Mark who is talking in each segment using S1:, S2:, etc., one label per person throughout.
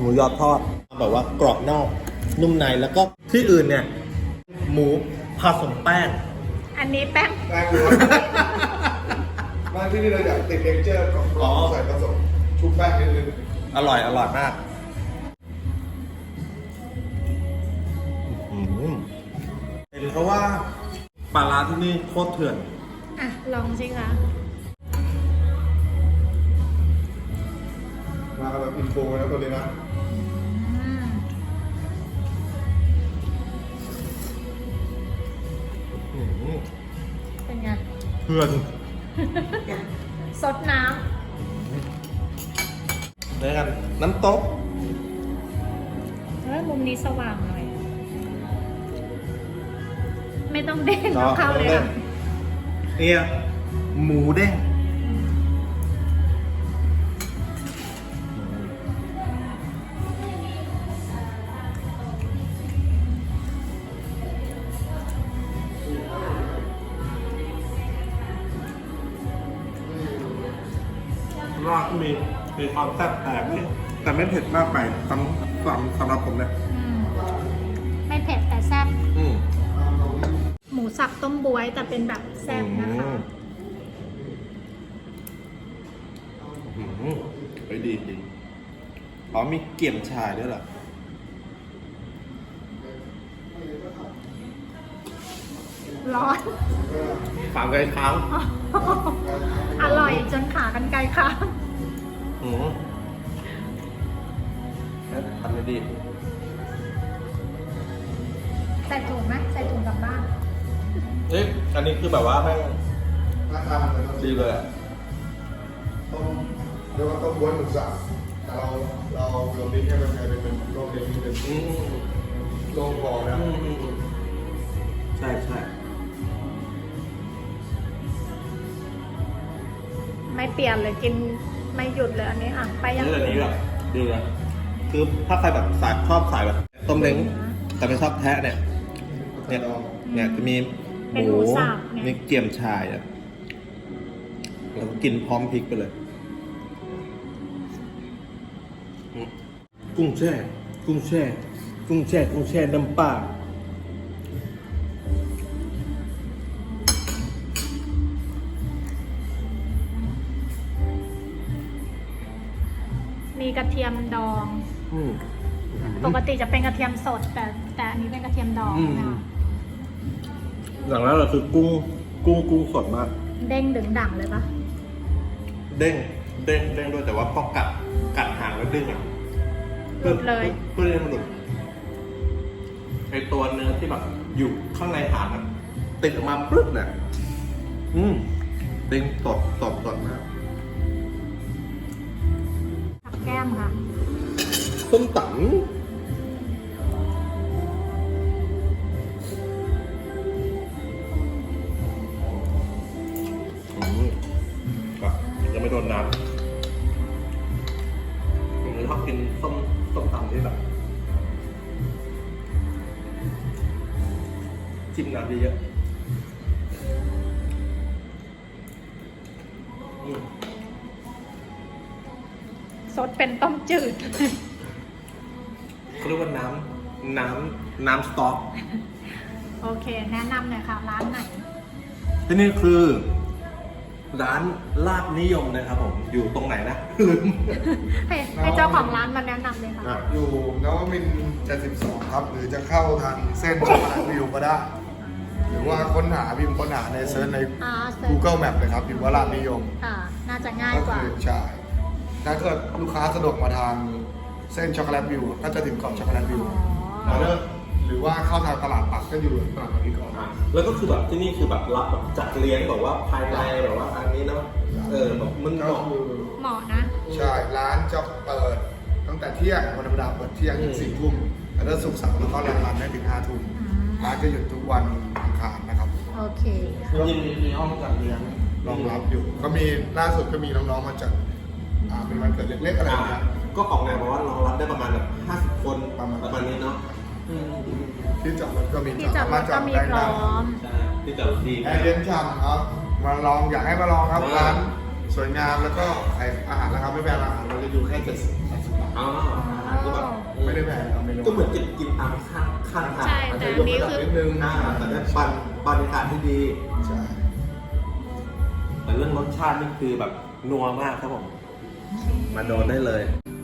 S1: มูยอทอดแบบว่ากรอบนอกนุ่มในแล้วก็ที่อื่นเนี่ยหมูผสมแป้ง
S2: อันนี้แป้ง
S3: แป้งล้วนบ้านที่นี่เราอยากติดเท็กเจอร์ของกรอบใส่ผสมชุบแป้งนิดนึง
S1: อร่อยมากเป็นเพราะว่าปลาร้าที่นี่โคตรเถื่อน
S2: อ่ะ ลองสิคะ
S3: มาแบบอินโฟนะตัวนี้นะ
S2: อืม เป็นไง
S1: เถื่อน
S2: ซดน้
S1: แล้วกันน้ำตก
S2: ำมุมนี้สว่างหน่อย ไม่ต้องเด้งเอาเข้าเลยค่ะ
S1: เนี่ยหมูเด้งรากมีความแซ่บแปลกเลยแต่ไม่เผ็ดมากไปสำหรับผมนะ
S2: ไม่เผ็ดแต่แซ่บ
S1: อืม
S2: หมูสับต้มบวยแต่เป็นแบบแซ่บนะคะ
S1: ไปดีอ๋อมีเกี่ยมชายด้วยเหรอ
S2: ร้อน
S1: ฝากไกลเท้า
S2: อร่อยจนขากันไกลค่ะ
S1: ทำได้ดี
S2: ใส่ถุงไหมใส่ถุงกลับบ้าน
S1: เอ๊ะอันนี้คือแบบว่าแม่ง
S3: ราคามันเลย
S1: ดีเลยอะ
S3: ต้มเรียกว่าต้มบ้วนหมูสับแต่เราดิ้งให้มันกลายเป็นโรคเล็กนิดนึงโรคคอนะ
S1: ใช่
S2: ไม่เปลี่ยนเลยกินไม่หยุดเลยอันนี้อ่ะไปยัง
S1: นี่แบบนี้แบบดีเลยคือถ้าใครแบบชอบสายแบบต้มเล้งแต่ไม่ชอบแทะเนี่ยจะมีหมูมีเกี่ยมชายอ่ะแล้วก็กินพร้อมพริกไปเลยกุ้งแช่น้ำปลา
S2: มีกระเทียมดอง ปกติจะเป็นกระเทียมสดแต่อันนี้เป็นกระเทียมดองนะคะ
S1: อย่างแรกเลยคือกุ้งสดมาก
S2: เด้งดึงดั่งเลยปะ
S1: เด้งด้วยแต่ว่าพอกัดหางแล้วดึงอ่ะ
S2: หลุดเลย
S1: เพื่อให้มันหลุดไอตัวเนื้อที่แบบอยู่ข้างในหางมันติดออกมาปึ๊บเนี่ยเด้งสดมาก
S2: ผักแก้มค่ะ
S1: ส้มตำยังไม่โดนน้ำผมชอบกินส้มตำที่แบบจิ้มน้ำเยอะ
S2: สดเป็นต้มจืด
S1: เขาเรียกว่าน้ำสต๊อก
S2: โอเค แนะนำหน่อยค่ะ ร้านไหน
S1: ที่นี่คือร้านลาบนิยมนะครับผมอยู่ตรงไหนนะลืม
S2: ให้เจ้าของร้านมาแนะนำเลยค่ะ
S3: อยู่นวมินทร์72ครับ หรือจะเข้าทางเส้นช็อกโกแลตวิวก็ได้ หรือว่าค้นหาพิมพ์ค้นหาในเซิร์ชใน Google Map เลยครับพิมพ์ว่าร้านนิยม
S2: ค่ะ น่าจะง่าย
S3: ก็
S2: กว่า
S3: คือใช่ถ้าเกิดลูกค้าสะดวกมาทางเส้นช็อกโกแลตวิวก็จะถึงเกาะช็อกโกแลตวิว
S2: อ๋อ
S3: หรือว่าเข้าทางตลาดปักก็อยู่ตลาดปักนี้ก่อน
S1: แล้วก็คือแบบที่นี่คือแบบรับแบบจัดเลี้ยงแบบว่าภายในแบบว่าอันนี้เนาะแบบมันเห
S3: ก็
S1: มาะ
S3: คือ
S2: เหมาะนะ
S3: ใช่ร้านจะเปิดตั้งแต่เที่ยงวันธรรมดาเปิดเที่ยงถึง4 ทุ่มแล้วก็ศุกร์เสาร์แล้วก็รันได้ถึง5 ทุ่มร้านจะหยุดทุกวันอังคารนะครับ
S2: โอเค
S1: จริงๆมีห้องจัดเลี้ยง
S3: รองรับอยู่ ก็มีล่าสุดก็มีน้องๆมาจัดเป็นวันเกิดเล็กๆอะไรอย่างเงี้ย
S1: ก็ของงานบอกว่ารองรับได้ประมาณแบบ50 คนประมาณนี้เนาะ
S3: ที่จอดรถก็มี
S2: ที่จอดรถก็มีพร้อม
S1: ใช่ที่จอดดี
S3: แอร์เย็นฉ่ำครับ มาลองอยากให้มาลองครับร้านสวยงามแล้วก็อาหารราคาไม่แพงอาหารเราจะอยู่แค่70-80 บาท
S1: อ๋อคือแบบ
S3: ได้แพงครับเมนู
S1: ก็เหมือนกินตามข้างทาง
S2: ใช่แต่อันนี้คือ
S3: นิดนึง
S1: แต่ได้บรรยากาศที่ดี
S3: ใช่
S1: แต่เรื่องรสชาตินี่คือแบบนัวมากครับผม มาโดนได้เลย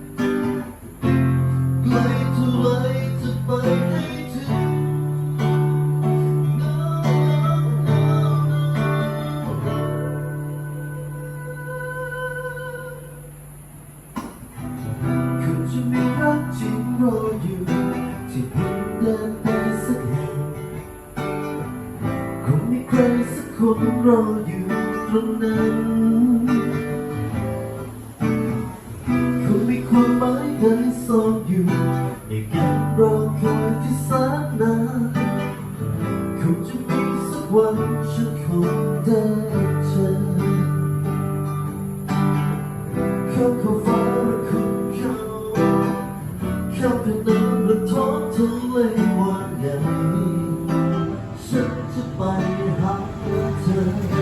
S4: คุณจะมีรักจริงรออยู่ที่เพียงเดินไปสักแห่งคงมีใครสักคนรออยู่ตรงนั้นคงมีความหมายใดซ่อนอยู่ในการรอคอยที่แสนนานคงจะมีสักวันฉันคงได้เจอเขาฟ้าและคุณเขาเป็นน้ำและท้องทะเลวันใหญ่ฉันจะไปหาเธอ